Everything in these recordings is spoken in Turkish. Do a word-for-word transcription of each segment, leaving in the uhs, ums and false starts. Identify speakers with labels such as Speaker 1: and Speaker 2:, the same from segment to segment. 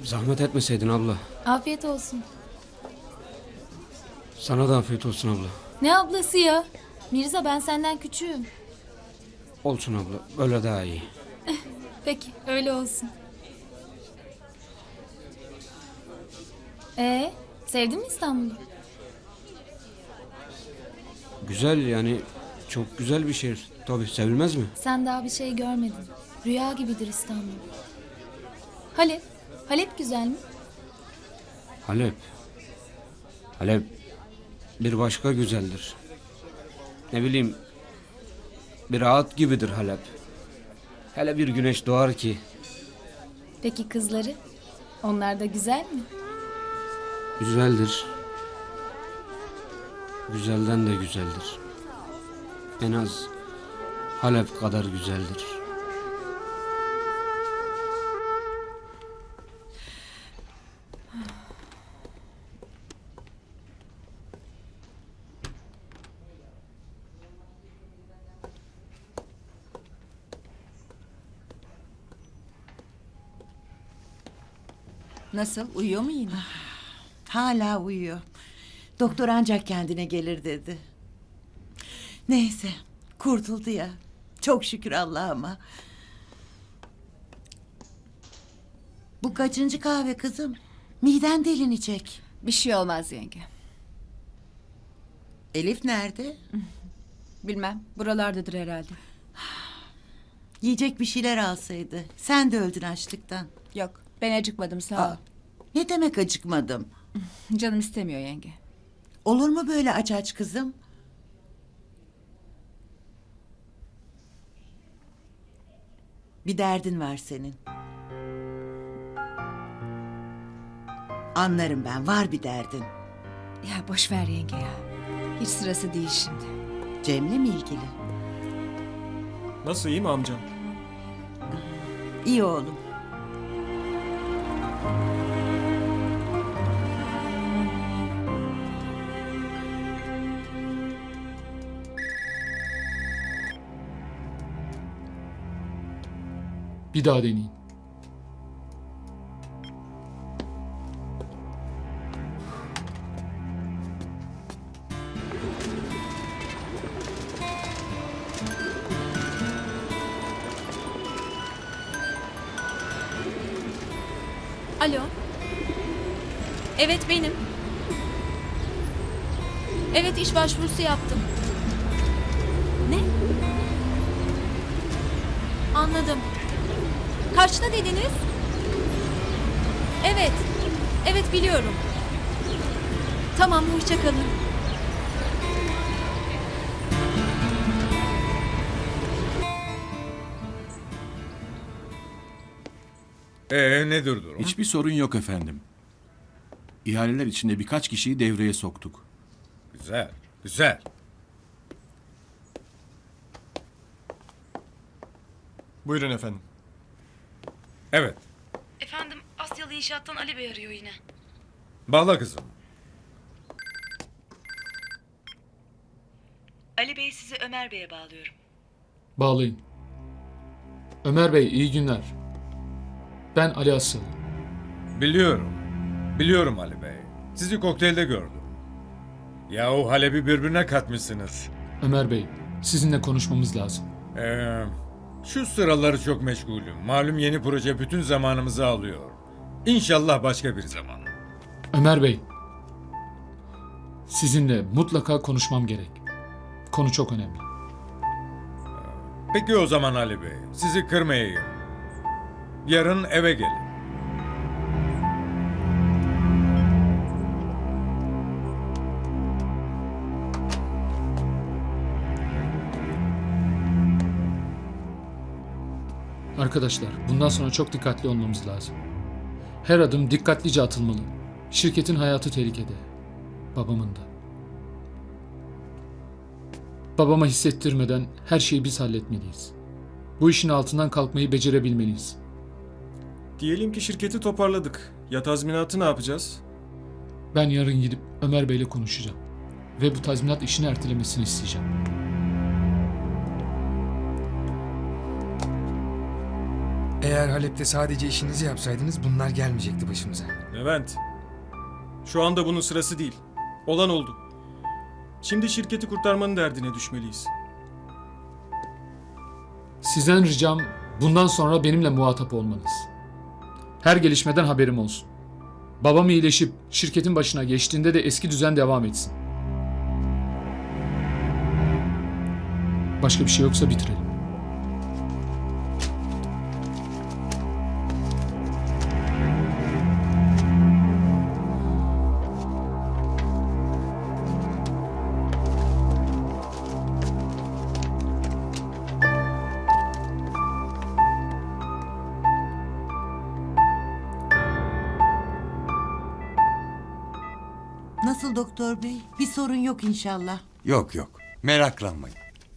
Speaker 1: Zahmet etmeseydin abla.
Speaker 2: Afiyet olsun.
Speaker 1: Sana da afiyet olsun abla.
Speaker 2: Ne ablası ya? Mirza, ben senden küçüğüm.
Speaker 1: Olsun abla. Öyle daha iyi.
Speaker 2: Peki, öyle olsun. Ee, sevdin mi İstanbul'u?
Speaker 1: Güzel yani. Çok güzel bir şehir. Tabii sevilmez mi?
Speaker 2: Sen daha bir şey görmedin. Rüya gibidir İstanbul. Halep, Halep güzel mi?
Speaker 1: Halep. Halep bir başka güzeldir. Ne bileyim, bir rahat gibidir Halep. Hele bir güneş doğar ki.
Speaker 2: Peki kızları? Onlar da güzel mi?
Speaker 1: Güzeldir. Güzelden de güzeldir. En az Halep kadar güzeldir.
Speaker 3: Nasıl? Uyuyor mu yine?
Speaker 4: Hala uyuyor. Doktor ancak kendine gelir dedi. Neyse, kurtuldu ya. Çok şükür Allah'ıma. Bu kaçıncı kahve kızım? Miden delinecek.
Speaker 3: Bir şey olmaz yenge.
Speaker 4: Elif nerede?
Speaker 3: Bilmem. Buralardadır herhalde.
Speaker 4: Yiyecek bir şeyler alsaydı. Sen de öldün açlıktan.
Speaker 3: Yok. Ben acıkmadım, sağ ol.
Speaker 4: Aa, ne demek acıkmadım?
Speaker 3: Canım istemiyor yenge.
Speaker 4: Olur mu böyle aç aç kızım? Bir derdin var senin. Anlarım ben, var bir derdin.
Speaker 3: Ya boş ver yenge ya. Hiç sırası değil şimdi.
Speaker 4: Cem'le mi ilgili?
Speaker 5: Nasıl, iyi mi amcam?
Speaker 4: İyi oğlum.
Speaker 6: Bir daha deneyin.
Speaker 7: Alo. Evet, benim. Evet, iş başvurusu yaptım. Ne? Anladım. Kaçta dediniz? Evet. Evet, biliyorum. Tamam, hoşça kalın.
Speaker 8: Ee nedir durum?
Speaker 9: Hiçbir sorun yok efendim. İhaleler içinde birkaç kişiyi devreye soktuk.
Speaker 8: Güzel, güzel.
Speaker 5: Buyurun efendim.
Speaker 8: Evet,
Speaker 7: Efendim, Asyalı İnşaat'tan Ali Bey arıyor yine.
Speaker 8: bağla kızım.
Speaker 10: Ali Bey, sizi Ömer Bey'e bağlıyorum.
Speaker 6: Bağlayın. Ömer Bey, iyi günler. Ben Ali Asıl.
Speaker 8: Biliyorum, biliyorum Ali Bey. Sizi kokteylde gördüm. Yahu Halep'i birbirine katmışsınız.
Speaker 6: Ömer Bey, sizinle konuşmamız lazım.
Speaker 8: Ee, şu sıraları çok meşgulüm. Malum yeni proje bütün zamanımızı alıyor. İnşallah başka bir zaman.
Speaker 6: Ömer Bey, sizinle mutlaka konuşmam gerek. Konu çok önemli.
Speaker 8: Peki o zaman Ali Bey, sizi kırmayayım. Yarın eve gelin.
Speaker 6: Arkadaşlar, bundan sonra çok dikkatli olmamız lazım. Her adım dikkatlice atılmalı. Şirketin hayatı tehlikede. Babamın da. Babama hissettirmeden her şeyi biz halletmeliyiz. Bu işin altından kalkmayı becerebilmeliyiz.
Speaker 5: Diyelim ki şirketi toparladık. Ya tazminatı ne yapacağız?
Speaker 6: Ben yarın gidip Ömer Bey'le konuşacağım. Ve bu tazminat işini ertelemesini isteyeceğim.
Speaker 11: Eğer Halep'te sadece işinizi yapsaydınız bunlar gelmeyecekti başımıza.
Speaker 5: Levent. Şu anda bunun sırası değil. Olan oldu. Şimdi şirketi kurtarmanın derdine düşmeliyiz.
Speaker 6: Sizden ricam bundan sonra benimle muhatap olmanız. Her gelişmeden haberim olsun. Babam iyileşip şirketin başına geçtiğinde de eski düzen devam etsin. Başka bir şey yoksa bitirelim.
Speaker 4: Nasıl doktor bey? Bir sorun yok inşallah.
Speaker 12: Yok yok. Meraklanmayın.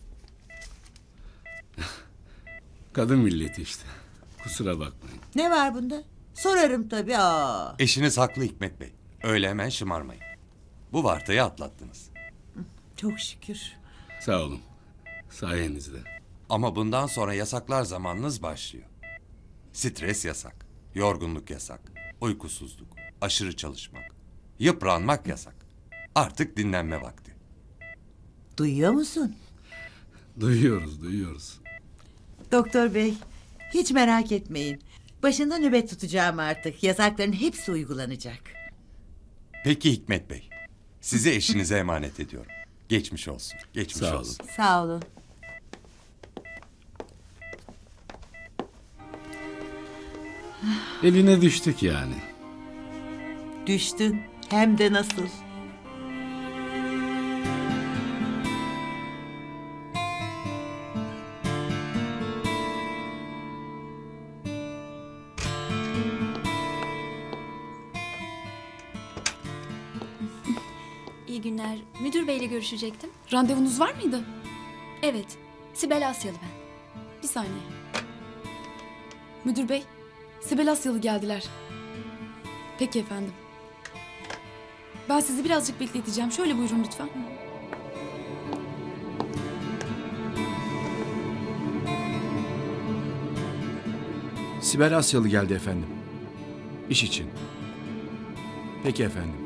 Speaker 9: Kadın milleti işte. Kusura bakmayın.
Speaker 4: Ne var bunda? Sorarım tabii. Aa.
Speaker 12: Eşiniz haklı Hikmet Bey. Öyle hemen şımarmayın. Bu vartayı atlattınız.
Speaker 4: Çok şükür.
Speaker 9: Sağ olun. Sayenizde.
Speaker 12: Ama bundan sonra yasaklar zamanınız başlıyor. Stres yasak. Yorgunluk yasak. Uykusuzluk. Aşırı çalışmak. Yıpranmak yasak. Artık dinlenme vakti.
Speaker 4: Duyuyor musun?
Speaker 9: Duyuyoruz, duyuyoruz.
Speaker 4: Doktor bey, hiç merak etmeyin. Başında nöbet tutacağım artık. Yasakların hepsi uygulanacak.
Speaker 12: Peki Hikmet Bey. Sizi eşinize emanet ediyorum. Geçmiş olsun. Geçmiş
Speaker 9: Sağ olun.
Speaker 12: olsun.
Speaker 4: Sağ olun.
Speaker 9: Eline düştük yani.
Speaker 4: Düştün. Hem de nasıl.
Speaker 7: İyi günler. Müdür beyle görüşecektim.
Speaker 2: Randevunuz var mıydı?
Speaker 7: Evet. Sibel Asyalı ben.
Speaker 2: Bir saniye. Müdür bey, Sibel Asyalı geldiler. Peki efendim. Ben sizi birazcık bekleteceğim. Şöyle buyurun lütfen.
Speaker 9: Sibel Asyalı geldi efendim. İş için. Peki efendim.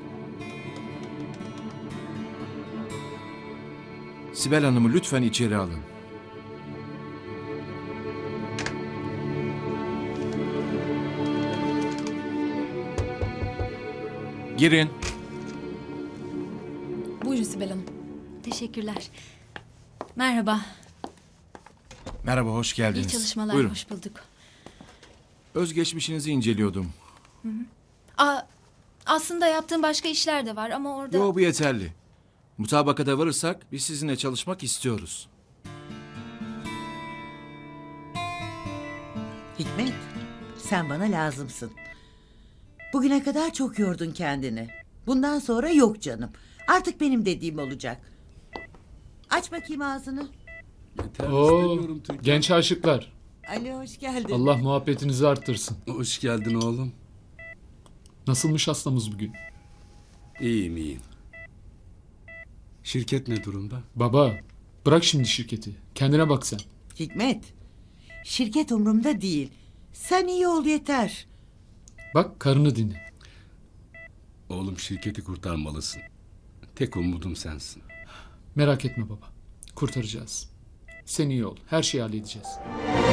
Speaker 9: Sibel Hanım'ı lütfen içeri alın. Girin.
Speaker 2: Buyurun Sibel Hanım.
Speaker 7: Teşekkürler. Merhaba.
Speaker 9: Merhaba, hoş geldiniz.
Speaker 7: İyi çalışmalar.
Speaker 9: Buyurun.
Speaker 7: Hoş bulduk.
Speaker 9: Özgeçmişinizi inceliyordum.
Speaker 7: Aa, aslında yaptığım başka işler de var ama orada...
Speaker 9: Yo, bu yeterli. Mutabakata varırsak biz sizinle çalışmak istiyoruz.
Speaker 4: Hikmet, sen bana lazımsın. Bugüne kadar çok yordun kendini. Bundan sonra yok canım. Artık benim dediğim olacak. Aç bakayım ağzını.
Speaker 6: Oo, genç aşıklar.
Speaker 4: Ali hoş geldin.
Speaker 6: Allah muhabbetinizi arttırsın.
Speaker 9: Hoş geldin oğlum.
Speaker 6: Nasılmış hastamız bugün?
Speaker 9: İyiyim, iyiyim. Şirket ne durumda?
Speaker 6: Baba, bırak şimdi şirketi. Kendine bak sen.
Speaker 4: Hikmet, şirket umurumda değil. Sen iyi ol yeter.
Speaker 6: Bak, karını dinle.
Speaker 9: Oğlum, şirketi kurtarmalısın. Tek umudum sensin.
Speaker 6: Merak etme baba. Kurtaracağız. Sen iyi ol. Her şeyi halledeceğiz.